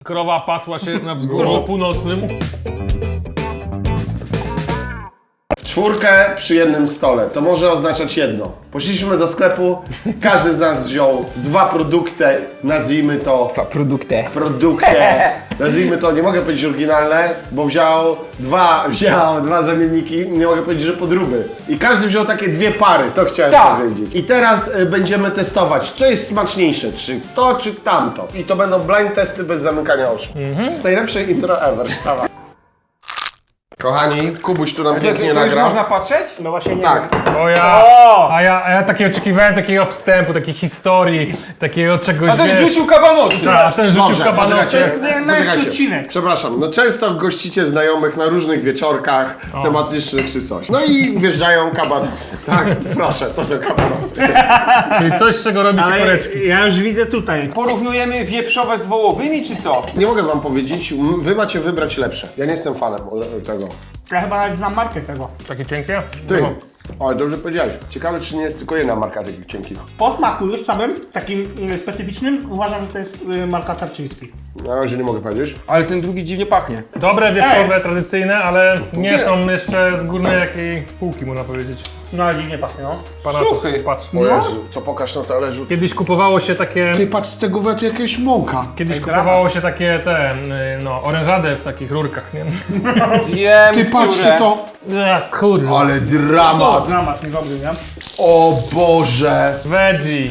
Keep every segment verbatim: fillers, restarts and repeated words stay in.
krowa pasła się na wzgórzu północnym. Czwórkę przy jednym stole, to może oznaczać jedno. Poszliśmy do sklepu, każdy z nas wziął dwa produkty, nazwijmy to... Dwa produkty. Produkty, nazwijmy to, nie mogę powiedzieć oryginalne, bo wziął dwa, wziął dwa zamienniki, nie mogę powiedzieć, że podróby. I każdy wziął takie dwie pary, to chciałem Tak. powiedzieć. I teraz y, będziemy testować, co jest smaczniejsze, czy to, czy tamto. I to będą blind testy bez zamykania oczu. To jest najlepsze intro ever, sztawa. Kochani, Kubuś tu nam To, pięknie to już nagrał. można patrzeć? No właśnie nie Tak. wiem. O ja, a ja, a ja takie oczekiwałem takiego wstępu, takiej historii, takiego czegoś, A ten wiesz... rzucił kabanosy. Ta, a ten rzucił Dobrze, kabanosy. poczekajcie, Nie, no jest poczekajcie. odcinek. Przepraszam, no często gościcie znajomych na różnych wieczorkach tematycznych czy coś. No i wjeżdżają kabanosy, tak? Proszę, to są kabanosy. Czyli coś, z czego robi się Ale koreczki. ja już widzę tutaj. Porównujemy wieprzowe z wołowymi, czy co? Nie mogę wam powiedzieć, m- wy macie wybrać lepsze. Ja nie jestem fanem o- tego. Ja chyba nawet znam markę tego. Takie cienkie? Ty, No. ale dobrze powiedziałeś. Ciekawe, czy nie jest tylko jedna marka takich cienkich. Po smaku już samym, takim y, specyficznym, uważam, że to jest y, marka Tarczyński. Na razie nie mogę powiedzieć. Ale ten drugi dziwnie pachnie. Dobre, wieprzowe, tradycyjne, ale nie są jeszcze z górnej jakiej półki, można powiedzieć. No ale dziwnie pachnie, no. Pana, Suchy. Patrz. O Jezu, to pokaż na talerzu. Kiedyś kupowało się takie... Ty, patrz, z tego wletu jakaś mąka. Kiedyś Ej, kupowało się takie te, y, no, orężadę w takich rurkach, nie? Wiem, Ty, patrzcie które. to. Ech, kurde. Ale dramat. Dramat niedobry, nie? O Boże. Veggie.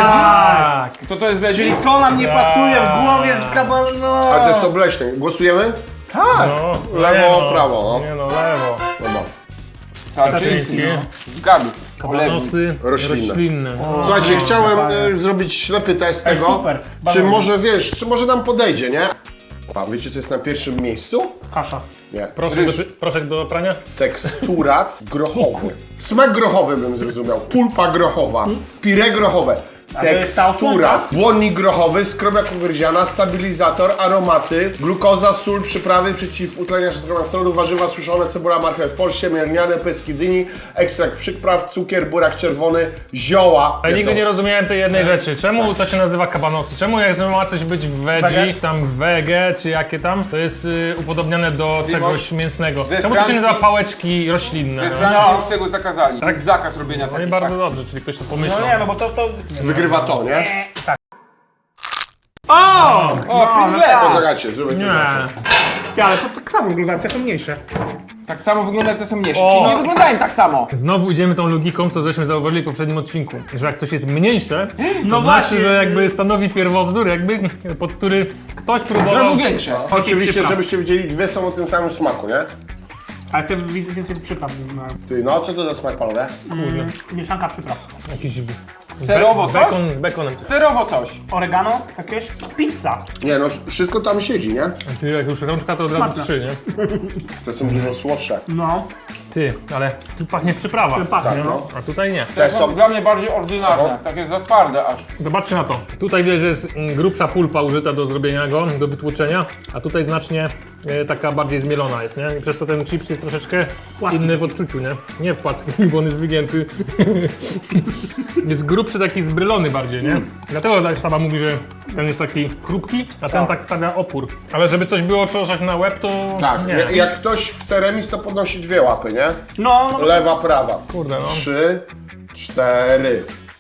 Tak. To to jest veggie? Czyli to nam nie pasuje w głowie z kaban... No. Ale to jest obleśne. Głosujemy? Tak. No, Lewo, nie no, prawo, no. Nie no, lewo. Dobra. Tarczyński. Tarczyński. Zgadł. Kabanosy Roślinne. roślinne. Słuchajcie, chciałem e, zrobić ślepy test Ej, tego, super. czy Bardzo może, wiesz, czy może nam podejdzie, nie? A wiecie, co jest na pierwszym miejscu? Kasza. Nie. Proszek Ryż. do, proszek do prania? Teksturat grochowy. Smak grochowy bym zrozumiał. Pulpa grochowa. Pire grochowe. to jest ta Teksturat. Błonnik grochowy, skrobiak ugryziana, stabilizator, aromaty, glukoza, sól, przyprawy, przeciwutleniacz solu, warzywa suszone, cebula, marchew, polście, mielniane, pyski dyni, ekstrakt przypraw, cukier, burak czerwony, zioła. Ale nigdy nie rozumiałem tej jednej rzeczy. Czemu to się nazywa kabanosy? Czemu jak ma coś być w veggie, Wege? tam wege, czy jakie tam, to jest y, upodobniane do czegoś mięsnego? we Czemu to się Francji- nazywa pałeczki roślinne? We No? Francji już tego zakazali. Tak? Jest zakaz robienia No i takich. bardzo dobrze, czyli ktoś to pomyślał. No nie, no bo to... to... Wygrywa to, nie? O! O, Pringles! Poczekajcie, zróbmy to Nie. inaczej. Ty, ale to tak samo wyglądają, te są mniejsze. Tak samo wygląda jak te są mniejsze. O. Czyli nie wyglądają tak samo. Znowu idziemy tą logiką, co żeśmy zauważyli w poprzednim odcinku, że jak coś jest mniejsze, to No znaczy, właśnie. że jakby stanowi pierwowzór, jakby pod który ktoś próbował... Zrobił większe. Oczywiście, przypraw. żebyście widzieli, dwie są o tym samym smaku, nie? Ale te widzę więcej przypraw. No. Ty, no co to za smak, panowie? Mm, mieszanka przypraw. Jakiś Serowo coś? bekon z bekonem. Serowo coś. Oregano, jakieś pizza. Nie, no wszystko tam siedzi, nie? Ty, jak już rączka, to od razu Smaczne. trzy, nie? To są dużo słodsze. No, Ty, ale tu pachnie przyprawa, pachnie, Tak, no. no. a tutaj nie. Te To są... dla mnie bardziej ordynarne. Takie za twarde aż. Zobaczcie na to. Tutaj wiesz, że jest mm, grubsza pulpa użyta do zrobienia go, do wytłoczenia, a tutaj znacznie e, taka bardziej zmielona jest, nie? I przez to ten chips jest troszeczkę Płatki. inny w odczuciu, nie? Nie w płacki, bo on jest wygięty. Jest grubszy, taki zbrylony bardziej, nie? Dlatego tak sama mówi, że ten jest taki chrupki, a ten tak stawia opór. Ale żeby coś było trzeba na łeb, to Tak, nie. jak, jak ktoś chce remis, to podnosi dwie łapy, nie? No, no, Lewa, prawa. Kurde, no. Trzy, cztery.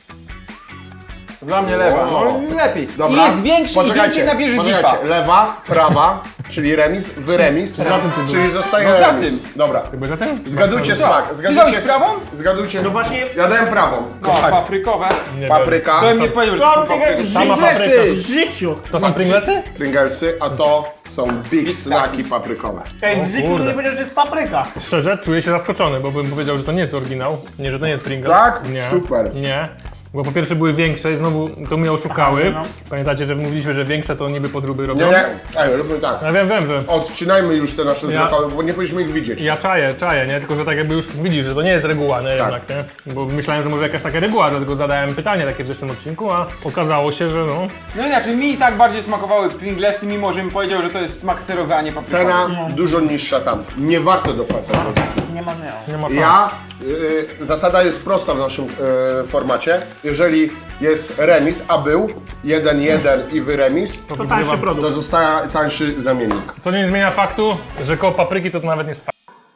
Dla mnie lewa. O. No lepiej. Dobra. I jest większy i więcej nabierze dipa. poczekajcie. Lewa, prawa, czyli remis, wy remis, Za czym ty czyli zostaje No za remis. tym. Dobra. Chyba za ten? Zgadujcie smak. Ty Zgadujcie dałeś prawą? Zgadujcie. no właśnie, Ja dałem prawą. No, Kochani. paprykowe. Nie Papryka, To mnie powiedział, że to Co są ty papryki. jak Sama Pringlesy papryka. w życiu. To są Pringlesy? Pringlesy, a to są Big Snacki paprykowe. Ej, w życiu to kurde. nie powiedział, że jest papryka. Szczerze, czuję się zaskoczony, bo bym powiedział, że to nie jest oryginał. Nie, że to nie jest Pringles. Tak? Nie. Super. Nie. Bo po pierwsze były większe i znowu to mnie oszukały. Aha, no. Pamiętacie, że mówiliśmy, że większe to niby podróby robią? Nie, nie. Ej, róbmy tak. Ja wiem, wiem, że Odcinajmy już te nasze Ja- wzrokowe, bo nie powinniśmy ich widzieć. ja czaję, czaję, nie? Tylko, że tak jakby już widzisz, że to nie jest reguła, nie? Tak. Jednak, nie? Bo myślałem, że może jakaś taka reguła, dlatego zadałem pytanie takie w zeszłym odcinku, a okazało się, że no... No inaczej, mi i tak bardziej smakowały Pringlesy, mimo że mi powiedział, że to jest smak serowy, a nie paprykowy. Cena dużo niższa tam. Nie warto dopłacać. Nie ma, nie. Nie ma Ja, y, zasada jest prosta w naszym y, formacie. Jeżeli jest remis, a był jeden jeden i wy remis, To tańszy to produkt. zostaje tańszy zamiennik. Co nie zmienia faktu, że koło papryki to, to nawet nie sta.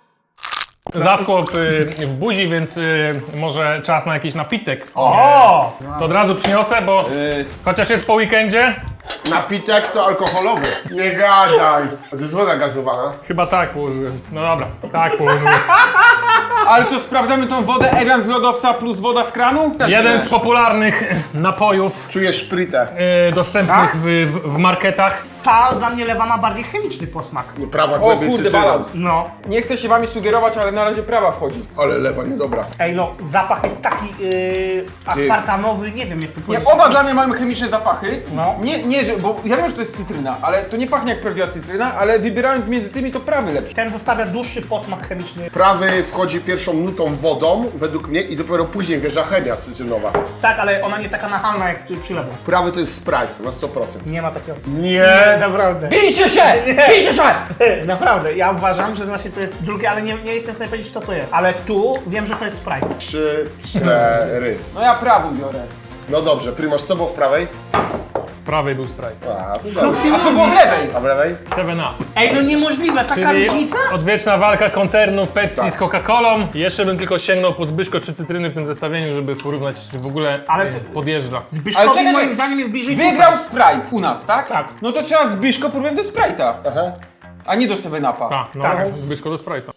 Zaschło w, w buzi, więc y, może czas na jakiś napitek. O! To od razu przyniosę, bo Yy, chociaż jest po weekendzie, Napitek to alkoholowy. Nie gadaj. To jest woda gazowana. chyba tak położyłem. No dobra, tak położyłem. ale co, sprawdzamy tą wodę Evian z lodowca plus woda z kranu? Jeden z popularnych napojów Czujesz szprytę. y, dostępnych w, w, w marketach. Ta dla mnie lewa ma bardziej chemiczny posmak. Prawa O głębiej kurde, cytryną. balans. No. Nie chcę się wami sugerować, ale na razie prawa wchodzi. Ale lewa niedobra. Ej no, zapach jest taki yy, aspartanowy, nie wiem jak to Nie, powiedzieć. oba dla mnie mają chemiczne zapachy. No. Nie, nie, że, bo ja wiem, że to jest cytryna, ale to nie pachnie jak prawdziwa cytryna, ale wybierając między tymi to prawy lepszy. Ten zostawia dłuższy posmak chemiczny. Prawy wchodzi pierwszą nutą wodą, według mnie, i dopiero później wjeżdża chemia cytrynowa. Tak, ale ona nie jest taka nachalna jak przy, przy lewo. Prawy to jest Sprite na sto procent. Nie ma takiego. Nie! Naprawdę. Bijcie się! Bijcie się! Naprawdę, ja uważam, że właśnie to jest drugie, ale nie, nie jestem w stanie powiedzieć, co to jest. Ale tu wiem, że to jest Sprite. Trzy, cztery. No ja prawą biorę. No dobrze, Primoz, co było w prawej? W prawej był Sprite. A, to Co dobrze. ty A co było w mówisz? lewej? A w lewej? seven up. Ej, no niemożliwe, taka Czyli różnica? odwieczna walka koncernów Pepsi Tak. z Coca-Colą. Jeszcze bym tylko sięgnął po Zbyszko czy cytryny w tym zestawieniu, żeby porównać, czy w ogóle Ale e, to- podjeżdża. Ale Zbyszkowi czekaj, moim czekaj. zdaniem jest bliżej Wygrał tutaj. Sprite u nas, tak? Tak. No to trzeba Zbyszko porównać do Sprite'a, Aha. a nie do seven upa. Tak, no Tak. Zbyszko do Sprite'a.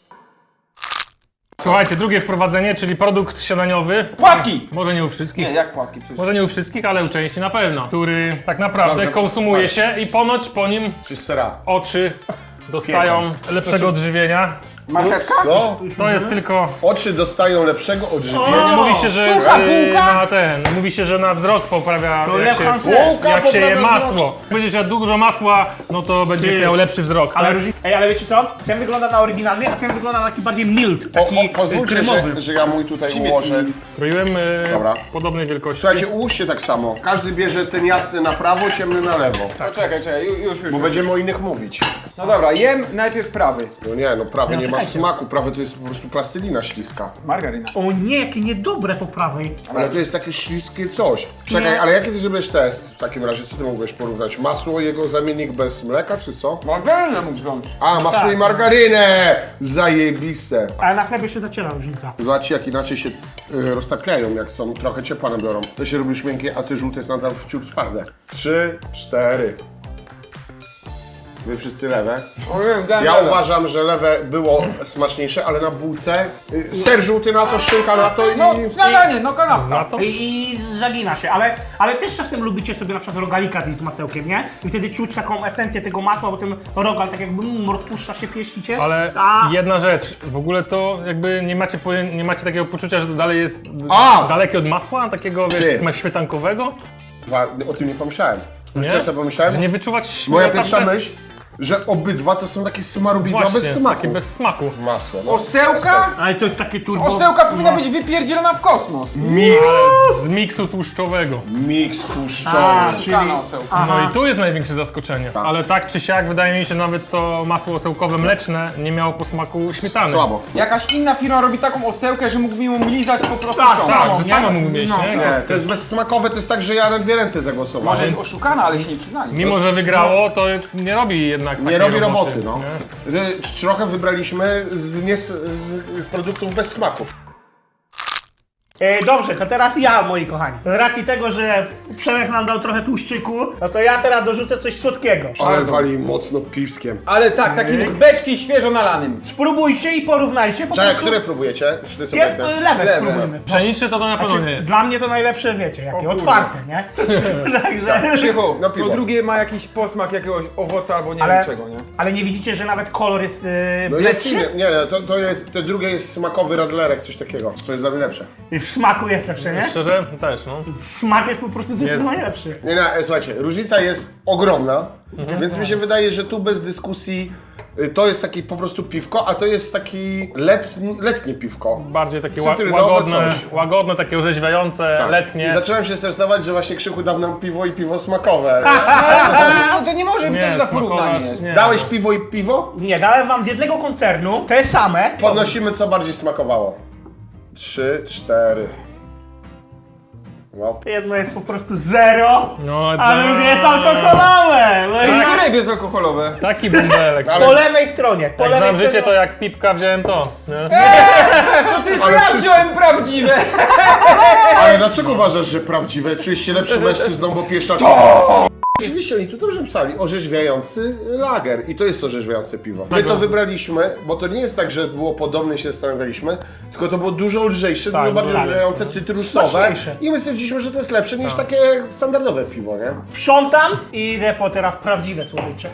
Słuchajcie, drugie wprowadzenie, czyli produkt śniadaniowy. Płatki! Może nie u wszystkich. Nie, jak płatki przecież. Może nie u wszystkich, ale u części na pewno. Który tak naprawdę Dobrze, konsumuje tak. się i ponoć po nim Czy sera? oczy dostają lepszego odżywienia. Marchetka? Co? To jest tylko... Oczy dostają lepszego odżywienia. O! Mówi się, że sucha e, bułka? na ten, mówi się, że na wzrok poprawia, To jak Lew się, Hansen. Bułka jak się je poprawia masło. Będziesz jadł dużo masła, no to będziesz Ty. miał lepszy wzrok. Ale tak? różni... Ej, ale wiecie co? Ten wygląda na oryginalny, a ten wygląda na taki bardziej mild, O, taki o, pozwólcie, kremowy. że, że ja mój tutaj Czym jest ułożę. mild? Kroiłem e, Dobra. podobnej wielkości. Słuchajcie, ułóżcie tak samo. Każdy bierze ten jasny na prawo, ciemny na lewo. No czekaj, czekaj, ju- już, już. Bo będziemy o innych mówić. No dobra, jem najpierw prawy. No nie, no prawy No, nie ma czekajcie. smaku. Prawy to jest po prostu plastelina śliska. Margaryna. O nie, jakie niedobre po prawej. Ale to jest takie śliskie coś. Czekaj, Nie. ale jaki ty zrobiłeś test w takim razie? Co ty mogłeś porównać? Masło, jego zamiennik bez mleka, czy co? Margarynę mógł wziąć. A, masło Tak. i margarynę! Zajebiste. Ale na chlebie się zaciera różnica. Zobaczcie, jak inaczej się y, roztapiają, jak są trochę ciepła nabiorą. To się robi już miękkie, a ty żółte jest nadal wciąż twarde. Trzy, cztery. Wy wszyscy lewe. O, wiem, dałem Ja lewe. uważam, że lewe było smaczniejsze, ale na bułce y, ser żółty na to, szynka na to i... No, śniadanie, no kanapka. Zna to? I, I zagina się, ale, ale też czasem lubicie sobie na przykład rogalika zjeść z masełkiem, nie? I wtedy czuć taką esencję tego masła, bo ten rogal tak jakby mm, rozpuszcza się, pieścicie. Ale A, jedna rzecz, w ogóle to jakby nie macie, poję- nie macie takiego poczucia, że to dalej jest A! dalekie od masła, takiego Ty. wiesz, sma- śmietankowego? Dwa, o tym nie pomyślałem. Wiesz, Nie? co ja sobie pomyślałem? Że nie wyczuwać Moja śmietana- pierwsza myśl, że obydwa to są takie smarubidła Właśnie, bez smaku. takie bez smaku. Masło, no. Osełka? ale to jest takie turbo... Osełka powinna no. być wypierdzielona w kosmos. Miks. Z miksu tłuszczowego. Miks A, tłuszczowy. czyli... Szukana osełka. Aha. No i tu jest największe zaskoczenie. Ale tak czy siak, wydaje mi się, nawet to masło osełkowe mleczne nie miało posmaku śmietany. Słabo. Jakaś inna firma robi taką osełkę, że mógłbym ją lizać po prostu Tak, ciągle. Tak, Samo, że nie? sama mógł mieć, No. nie? Nie, to jest bezsmakowe, to jest tak, że ja na dwie ręce zagłosowałem. Może Więc- jest oszukana, ale się nie przyznali. Mimo, że wygrało, to nie robi jednak Nie takiej robi roboty, no. nie? Y, Trochę wybraliśmy z, nie, z produktów bez smaku. E, dobrze, to teraz ja, moi kochani. Z racji tego, że Przemek nam dał trochę tłuszczyku, no to ja teraz dorzucę coś słodkiego. Ale wali mocno piwskiem. Ale tak, takim z beczki świeżo nalanym. Spróbujcie i porównajcie. Po Czekaj, prostu które próbujecie? Czy to są jest te? e, lewe, Lewe. spróbujmy. Pszeniczny to to na pewno nie Znaczy, jest. dla mnie to najlepsze, wiecie, jakie, kurde. otwarte, nie? Także... Krzychu, No to piwo. drugie ma jakiś posmak jakiegoś owoca albo nie Ale, wiem czego, nie? ale nie widzicie, że nawet kolor jest e, No jest bledszy? inny. Nie, nie, to, to jest, te drugie jest smakowy radlerek, coś takiego. To jest dla mnie lepsze. I w smaku jest lepsze, nie? Szczerze, też, no. Smak jest po prostu zdecydowanie lepszy. Nie, nie, e, słuchajcie, różnica jest ogromna, więc mi się wydaje, że tu bez dyskusji y, to jest takie po prostu piwko, a to jest taki letni, letnie piwko. Bardziej takie ła- Cytrynowe łagodne, coś. łagodne, takie orzeźwiające, Tak. I letnie. zacząłem się stresować, że właśnie Krzychu dał nam piwo i piwo smakowe. No to nie może być Nie, to za porównanie smakować, jest. nie. Dałeś piwo i piwo? Nie, dałem wam z jednego koncernu te same. Podnosimy, co bardziej smakowało. Trzy, cztery. Wow. Jedno jest po prostu zero, No, a da- drugie jest alkoholowe. No i Które bezalkoholowe? Taki bąbelek. Ale- po lewej stronie, po Jak lewej znam życie, stronie. to jak pipka wziąłem to. Nie? To tylko Ale ja wszyscy- wziąłem prawdziwe! Ale dlaczego uważasz, że prawdziwe? Czujesz się lepszym mężczyzną, bo pijesz alkohol? Oczywiście oni tu dobrze pisali, orzeźwiający lager i to jest orzeźwiające piwo. My to wybraliśmy, bo to nie jest tak, że było podobne, się zastanawialiśmy, tylko to było dużo lżejsze, dużo bardziej tak. orzeźwiające, cytrusowe Smaczniejsze. i my stwierdziliśmy, że to jest lepsze niż takie standardowe piwo, nie? Sprzątam i idę po teraz prawdziwe słodycze.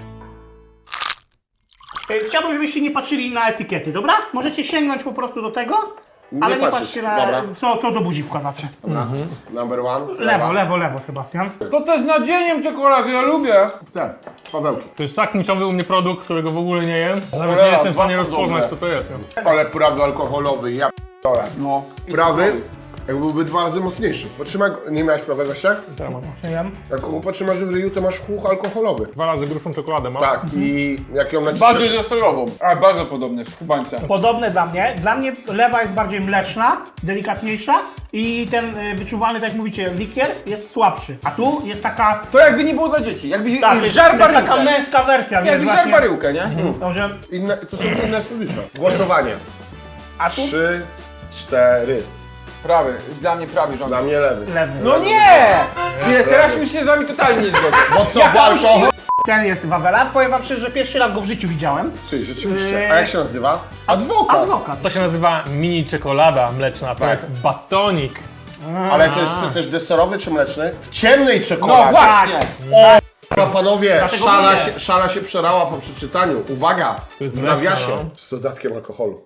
E, Chciałbym, żebyście nie patrzyli na etykiety, dobra? Możecie sięgnąć po prostu do tego, Nie ale nie patrzeć, patrzcie na dobra. co, co do buzi wkładacie. Dobra, number one. Lewo, lewo, lewo, Sebastian. To też z nadzieniem czekolady, ja lubię. Tak, Pawełki. To jest tak niczowy u mnie produkt, którego w ogóle nie jem, że nawet Cholera, nie jestem w stanie dwa rozpoznać, podobne. co to jest. Nie? Ale prawy alkoholowy, ja p***dolę. No. Prawy, jak byłby dwa razy mocniejszy. Potrzymaj, nie miałeś prawego się? Teraz mam. Nie wiem. Jak go potrzymasz w ryju, to masz chłuch alkoholowy. Dwa razy grubszą czekoladę mam. Tak, i jak ją naciskasz... Bardziej deserową. A, bardzo podobne, w kubańce. Podobne dla mnie. Dla mnie lewa jest bardziej mleczna, delikatniejsza i ten y, wyczuwalny, tak jak mówicie, likier jest słabszy. A tu jest taka... To jakby nie było dla dzieci, jakby Tak, jest, żar jest taka baryłkę. męska wersja, wiesz, Jakby żar właśnie. baryłkę, nie? Może... Inne, to są inne studia. Głosowanie. A tu? Trzy, cztery. Prawy, dla mnie prawy rząd. Dla mnie lewy. Lewy. No nie! Nie, teraz już się z wami totalnie nie zgodzę. Bo co, bo alkohol... Ten jest Wawela. Powiem wam szczerze, że pierwszy raz go w życiu widziałem. Czyli rzeczywiście. A jak się nazywa? Adwokat. Adwokat. To się nazywa mini czekolada mleczna, to Tak. jest batonik. Ale to jest też deserowy czy mleczny? W ciemnej No czekoladzie. właśnie! O, panowie, Dlatego szala mówię. się, szala się przerała po przeczytaniu. Uwaga, jest w mleczna, nawiasie no. z dodatkiem alkoholu.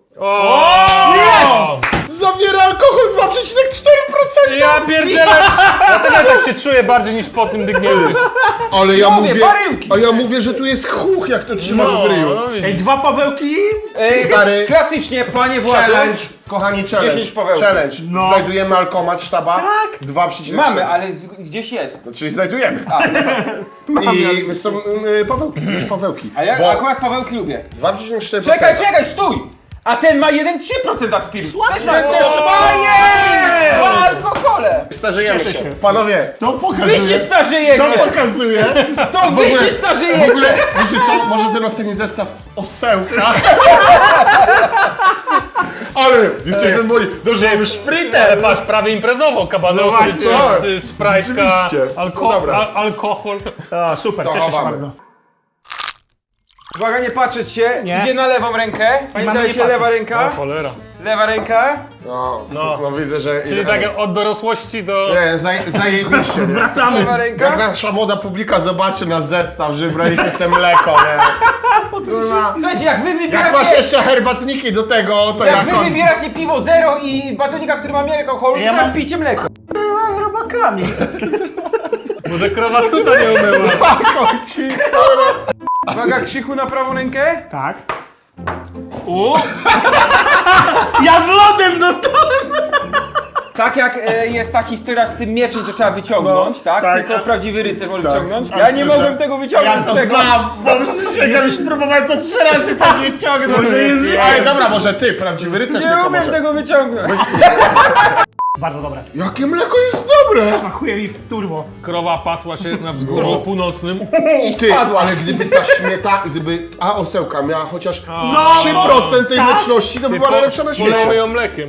O! Zawiera alkohol dwa przecinek cztery procent! Ja pierdzielę! Dlatego ja tak się czuję bardziej niż po tym dygniętym. Ale ja Mówię, mówię, baryłki. a ja mówię, że tu jest chuch, jak to trzymasz w ryju. no, Ej, dwa Pawełki. Ej, Stary. klasycznie, panie Władzo. Challenge, kochani, challenge. dziesięć Pawełków. Challenge. No. Znajdujemy alkomat sztaba. Tak. dwa przecinek cztery. Mamy, ale z, gdzieś jest. Czyli znajdujemy. I są y, Pawełki, już Pawełki. A ja Bo akurat Pawełki lubię. dwa przecinek cztery procent. Czekaj, czekaj, stój! A ten ma jeden przecinek trzy procent spirytu. Też ma Ten też ma! dwa alkohole! Starzejemy Cieszę się. się. Panowie, to Wy pokazuje. się starzejecie! To pokazuje. To W wy ogóle- się W starzejecie! ogóle, wiecie co, może ten ostatni zestaw osełka. Ale jesteśmy młodzi. Dobrze, mamy Ale szprytę. patrz, prawie imprezowo, kabanosy, No właśnie. chipsy, sprajka, Rzeczywiście. alko No dobra. al alkohol. A, super, To cieszę się chowamy. bardzo. Uwaga, nie patrzeć się. Nie. Idzie na lewą rękę. Pamiętajcie, nie lewa patrzeć. O ręka. cholera. Lewa ręka. No, No. no widzę, że... Czyli tak od dorosłości do... Nie, zaj, zajebiście, nie? Wracamy. Lewa Jak ręka. nasza młoda publika zobaczy nasz zestaw, że braliśmy sobie mleko, nie? Kurwa. Słuchajcie, jak wy Jak masz wybieracie... jeszcze herbatniki do tego, to Jak jak wy on... wybieracie piwo zero i batonika, który ma mniej alkoholu, to Ja teraz mam- pijcie mleko. Z robakami. Może krowa suta nie umyła. Ci, kurwa. Uwaga, Krzychu na prawą rękę. Tak. U. Ja z lodem dostałem. Tak jak e, jest ta historia z tym mieczem, co trzeba wyciągnąć, No, tak? tak. Tylko prawdziwy rycerz może Tak. wyciągnąć. A Ja nie szczerze, mogłem tego wyciągnąć Ja to z tego. znam, bo przysięgam, już próbowałem to trzy razy też wyciągnąć. Ale dobra, może ty, prawdziwy rycerz Nie tylko umiem może. tego wyciągnąć. Bardzo dobre. Jakie mleko jest dobre! Smakuje mi w turbo. Krowa pasła się na wzgórzu północnym. I ty, spadła. ale gdyby ta śmieta, gdyby ta osełka miała chociaż No, trzy procent tej tak. mleczności, to by była najlepsza na Polejmy świecie. ją mlekiem.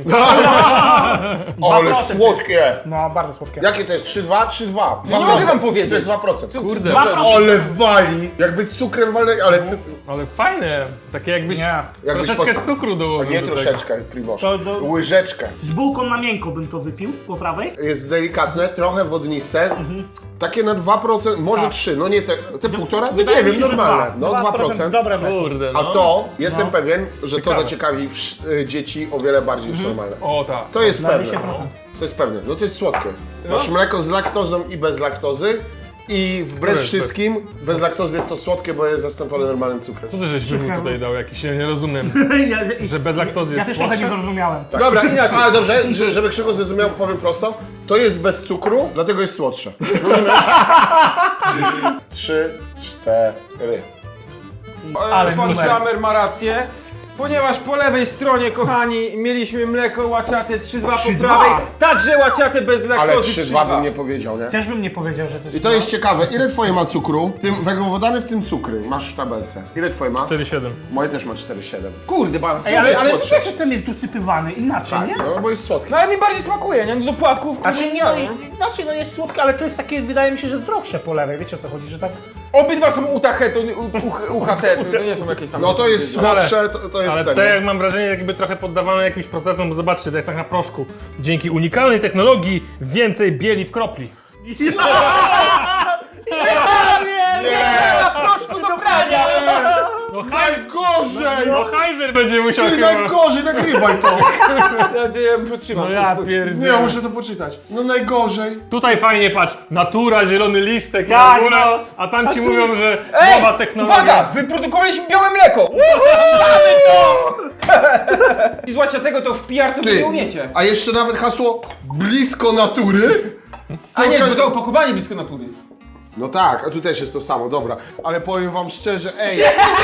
Ale procent. słodkie! No, bardzo słodkie. Jakie to jest? trzy dwa? trzy dwa. nie mogę wam powiedzieć. To jest dwa procent. Kurde, Dwa procent. Ale wali! Jakby cukrem walnęli, ale ty... ale fajne. Takie jakbyś Nie. Jakbyś troszeczkę pos- cukru A dołożył nie do tego. troszeczkę, Primoż. To do- Łyżeczkę. Z bułką na miękko bym to wypił, po prawej. Jest delikatne, trochę wodniste. Takie na dwa procent, może trzy, no nie te, te półtora? Wydaje Nie mi wiem, się, że normalne. dwa. No Dwa dwa procent. Dobre mleko. Kurde, A no. to, jestem No. pewien, że to Ciekawe. zaciekawi wsz- y, dzieci o wiele bardziej niż normalne. O tak. To jest Na pewne. dwieście procent. To jest pewne. No to jest słodkie. Masz mleko z laktozą i bez laktozy. I wbrew jest wszystkim, bez laktozy jest to słodkie, bo jest zastąpione normalnym cukrem. Co ty żeś wymóg tutaj dał? Jakiś, ja nie rozumiem. Ja, Że bez laktozy ja jest też trochę nie słodsze? zrozumiałem. Dobra, inaczej. Ale dobrze, że- żeby Krzysztof zrozumiał, powiem prosto. To jest bez cukru, dlatego jest słodsze. Trzy, cztery. Ale Pan numer. Szlamer ma rację. Ponieważ po lewej stronie, kochani, mieliśmy mleko łaciate trzy dwa po trzy dwa. prawej, także łaciate bez laktozy Ale trzy dwa bym nie powiedział, nie? Też bym nie powiedział, że to jest... I to jest ciekawe, ile twoje ma cukru? Tym węglowodany, w tym cukry. Masz w tabelce. Ile twoje ma? cztery siedem. Moje też ma cztery przecinek siedem. Kurde, balans. Ej, ale, ale widać, że ten jest dosypywany inaczej, Tak, nie? no bo jest słodki. No ale mi bardziej smakuje, nie? No do płatków. Znaczy, nie, no, nie? i- znaczy, no jest słodkie, ale to jest takie, wydaje mi się, że zdrowsze po lewej. Wiecie o co chodzi, że tak... Obydwa są U T H, to nie- U- U- U H T, to nie są jakieś tam... No to jest Ale- słodsze, to, to jest Ale ten. te jak mam wrażenie jakby trochę poddawane jakimś procesom, bo zobaczcie, to jest tak na proszku. Dzięki unikalnej technologii więcej bieli w kropli. Na proszku do prania! No, haj, Najgorzej! no Heiser będzie musiał Ty chyba... najgorzej, nagrywaj to! Mam nadzieję, że przytrzymam. No ja Nie, pierdzielę. ja muszę to poczytać. No najgorzej. Tutaj fajnie patrz, natura, zielony listek, Tak, na górę, no. a tam ci mówią, że Ej, nowa technologia. uwaga! Wyprodukowaliśmy białe mleko! Mamy to! Z łaciatego to w P R to wy Ty, nie umiecie. a jeszcze nawet hasło blisko natury. A nie, Tylko- bo to opakowanie blisko natury. No tak, a tu też jest to samo, dobra. Ale powiem wam szczerze, ej,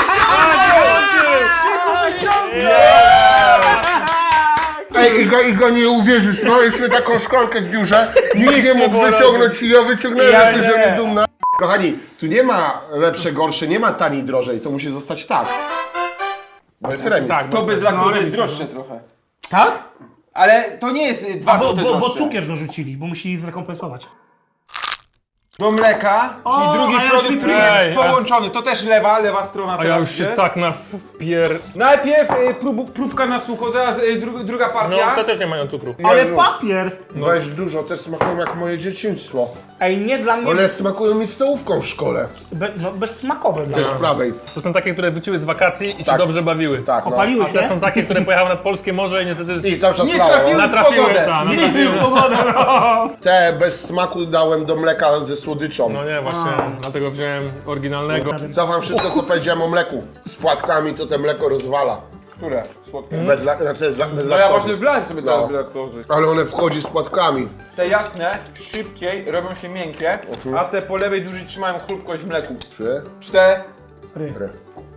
ej, Iga, Iga, nie uwierzysz, no mieliśmy taką szklankę w biurze, nikt nie mógł było wyciągnąć i ja wyciągnąłem, Ja jesteś nie. ze mnie dumna. Kochani, tu nie ma lepsze, gorsze, nie ma taniej, drożej, to musi zostać tak. Bo jest remis. tak, To bez No, laktozy ale jest droższe trochę. Tak? Ale to nie jest y, dwa Bo, złote bo, bo droższe. cukier dorzucili, bo musieli zrekompensować. Do mleka, O, czyli drugi a ja produkt, już który Ej, jest a- połączony. To też lewa, lewa strona A ja teraz już się idzie. tak na wpier... Najpierw y, prób, próbka na sucho, zaraz y, dru, druga No, partia. te też nie mają cukru. Ale Jezu. papier! Weź dużo, te smakują jak moje dzieciństwo. Ej, nie dla mnie, One smakują mi stołówką w szkole. be, no, bezsmakowe dla To jest mnie. prawej. To są takie, które wróciły z wakacji i się Tak. dobrze bawiły. Tak, no. Opaliły A te się? są takie, które pojechały nad polskie morze i niestety I cały czas Nie lało. trafiły. natrafiły, pogodę. ta, Nie natrafiły. wiem, pogoda, no. Te bez smaku dałem do mleka ze słodyczą. No nie, właśnie, dlatego wziąłem oryginalnego. Cofam wszystko, co powiedziałem o mleku. Z płatkami to te mleko rozwala. Które? Słodkie. Bez, la- znaczy bez, la- bez No ja laktozy. właśnie wlałem sobie No. teraz bez laktozy. Ale one wchodzi z płatkami. Te jasne szybciej robią się miękkie, a te po lewej dłużej trzymają chrupkość w mleku. Trzy. Cztery. Ry.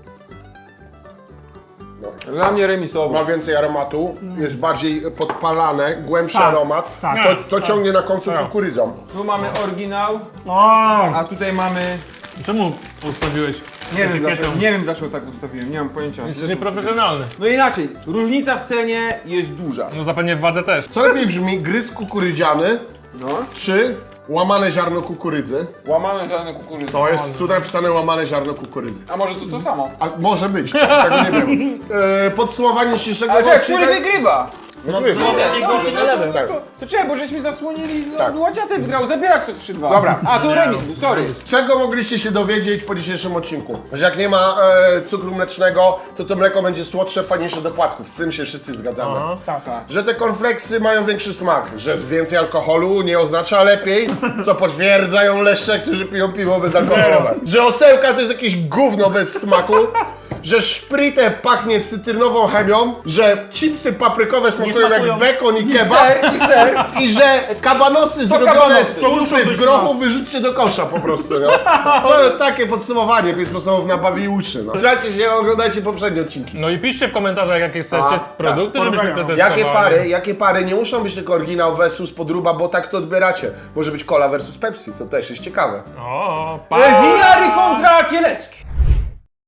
Dla mnie remisowo. Ma więcej aromatu, jest bardziej podpalane, głębszy Tak, aromat. tak. To, to ciągnie na końcu Tak. kukurydzą. Tu mamy oryginał, O, a tutaj mamy... Czemu ustawiłeś Nie wiem, etykietę? dlaczego, nie wiem dlaczego tak ustawiłem, nie mam pojęcia. Jesteś nieprofesjonalny. No inaczej, różnica w cenie jest duża. No zapewne w wadze też. Co lepiej brzmi, gryz kukurydziany No. czy łamane ziarno kukurydzy? Łamane żadne kukurydzy. To jest tu napisane łamane ziarno kukurydzy. A może to to samo? A może być, tego nie wiem. E, podsumowanie dzisiejszego Ale czekaj, który wygrywa? Wygrywa. Tak. To czekaj, bo żeśmy zasłonili, no, Tak. łaciatek wygrał, zabierać to trzy dwa. Dobra. A, tu remis był, sorry. Czego mogliście się dowiedzieć po dzisiejszym odcinku? Że jak nie ma e, cukru mlecznego, to to mleko będzie słodsze, fajniejsze do płatków. Z tym się wszyscy zgadzamy. Aha. tak, tak. Że te cornflakesy mają większy smak, że więcej alkoholu nie oznacza lepiej, co potwierdzają leszcze, którzy piją piwo bezalkoholowe. Że osełka to jest jakieś gówno bez smaku, że szpritę pachnie cytrynową chemią, że chipsy paprykowe smakują jak smakują. bekon i kebab Ser, i ser. i że kabanosy zrobione kabanosy. z To muszą pulpy z być, grochu wyrzućcie do kosza po prostu, no. To takie podsumowanie, pięć sposobów na bawi i uczy, no. Trzymajcie się, oglądajcie poprzednie odcinki. No i piszcie w komentarzach, jakie chcecie A, produkty, tak, żebyśmy porównają. przetestowali. Jakie pary, jakie pary, nie muszą być tylko oryginał versus podróba, bo tak to odbieracie. Może być cola versus Pepsi, to też jest ciekawe. O, pa! Winary kontra Kielecki.